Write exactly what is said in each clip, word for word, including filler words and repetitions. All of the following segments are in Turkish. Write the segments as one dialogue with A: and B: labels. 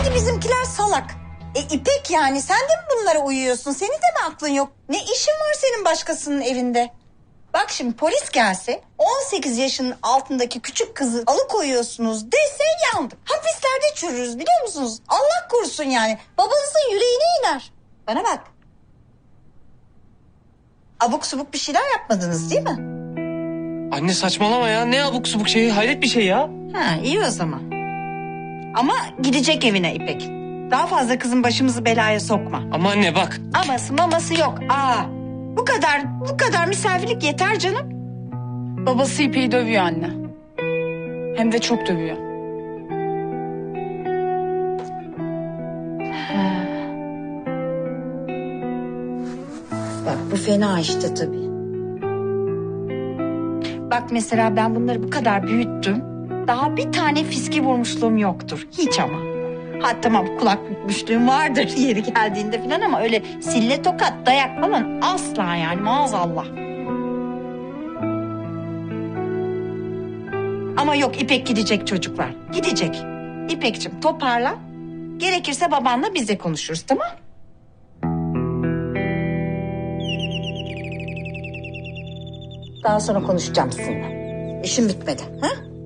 A: Hadi bizimkiler salak. E İpek yani sen de mi bunlara uyuyorsun? Senin de mi aklın yok? Ne işin var senin başkasının evinde? Bak şimdi polis gelse on sekiz yaşının altındaki küçük kızı alıkoyuyorsunuz dese yandık. Hapislerde çürürüz biliyor musunuz? Allah korusun yani. Babanızın yüreğine iner. Bana bak. Abuk subuk bir şeyler yapmadınız değil mi?
B: Anne saçmalama ya. Ne abuk subuk şeyi? Hayret bir şey ya.
A: Ha iyi o zaman. Ama gidecek evine İpek. Daha fazla kızın başımızı belaya sokma.
B: Ama anne bak.
A: Aması maması yok. Aa, bu kadar bu kadar misafirlik yeter canım.
C: Babası İpek'i dövüyor anne. Hem de çok dövüyor.
A: Bak bu fena işte tabii. Bak mesela ben bunları bu kadar büyüttüm. Daha bir tane fiski vurmuşluğum yoktur. Hiç ama. Ha tamam kulak bükmüşlüğüm vardır yeri geldiğinde falan ama öyle sille tokat dayak falan asla yani maazallah. Ama yok İpek gidecek çocuklar. Gidecek. İpekciğim toparla. Gerekirse babanla biz de konuşuruz tamam? Daha sonra konuşacağım sizinle. İşim bitmedi. Ha?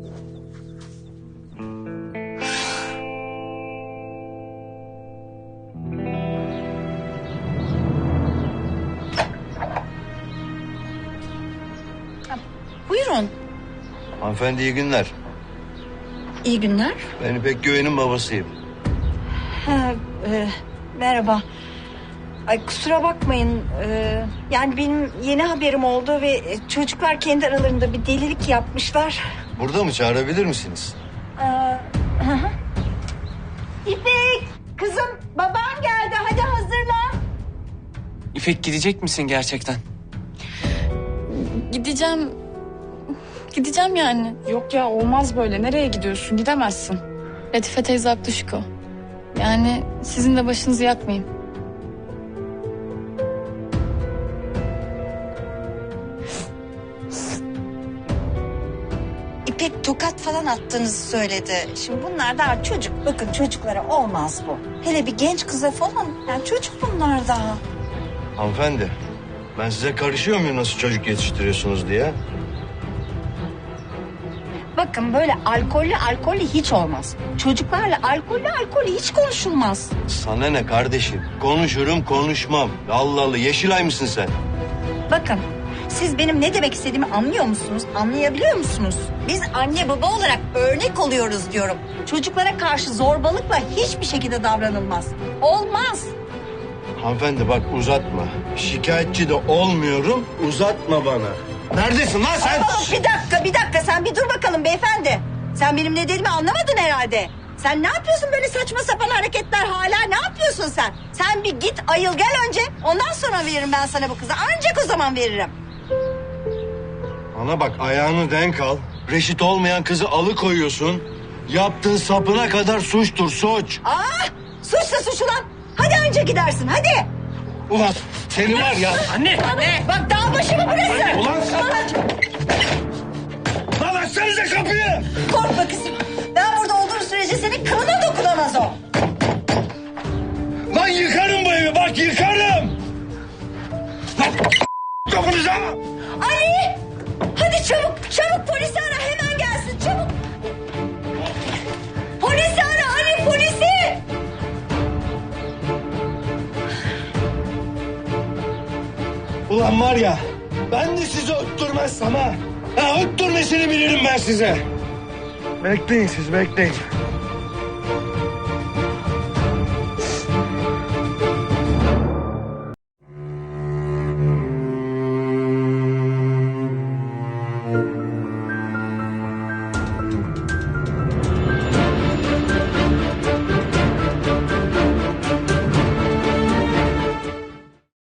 A: Buyurun.
D: Hanımefendi iyi günler.
A: İyi günler.
D: Ben İpek Güven'in babasıyım.
A: Ha, e, merhaba. Ay kusura bakmayın. E, yani benim yeni haberim oldu ve çocuklar kendi aralarında bir delilik yapmışlar.
D: Burada mı çağırabilir misiniz?
A: Ee, hı hı. İpek, kızım baban geldi. Hadi hazırlan.
B: İpek gidecek misin gerçekten?
C: Gideceğim. Gideceğim yani. Yok ya olmaz böyle. Nereye gidiyorsun? Gidemezsin. Latife teyze haklı Şiko. Yani sizin de başınızı yakmayın.
A: İpek tokat falan attığınızı söyledi. Şimdi bunlar daha çocuk. Bakın çocuklara olmaz bu. Hele bir genç kıza falan. Yani çocuk bunlar daha.
D: Hanımefendi ben size karışıyor muyum nasıl çocuk yetiştiriyorsunuz diye?
A: Bakın böyle alkollü alkollü hiç olmaz. Çocuklarla alkollü alkollü hiç konuşulmaz.
D: Sana ne kardeşim? Konuşurum konuşmam. Allah Allah Yeşilay mısın sen?
A: Bakın siz benim ne demek istediğimi anlıyor musunuz? Anlayabiliyor musunuz? Biz anne baba olarak örnek oluyoruz diyorum. Çocuklara karşı zorbalıkla hiçbir şekilde davranılmaz. Olmaz.
D: Hanımefendi bak uzatma. Şikayetçi de olmuyorum uzatma bana. Neredesin lan sen?
A: Aa, bir dakika bir dakika sen bir dur bakalım beyefendi. Sen benim ne dediğimi anlamadın herhalde. Sen ne yapıyorsun böyle saçma sapan hareketler hala ne yapıyorsun sen? Sen bir git ayıl gel önce ondan sonra veririm ben sana bu kızı. Ancak o zaman veririm.
D: Bana bak ayağını denk al. Reşit olmayan kızı alıkoyuyorsun. Yaptığın sapına kadar suçtur suç.
A: Aa, suçsa suç ulan. Hadi önce gidersin hadi.
D: Ulan seni var ya.
B: Anne!
A: Anne. Bak dağ başı mı burası?
D: Ulan sen-
A: Ulan,
D: Lan açsanıza kapıyı.
A: korkma kızım. Ben burada olduğum sürece senin kılına dokunamaz o.
D: Lan yıkarım bu evi bak yıkarım. Lan kapınıza.
A: Ali! Hadi çabuk çabuk polisi ara hemen gelsin çabuk. Polisi ara Ali polisi.
D: Ulan var ya ben de sizi öttürmezsem ha. Ha öttürmesini bilirim ben size. Bekleyin siz bekleyin.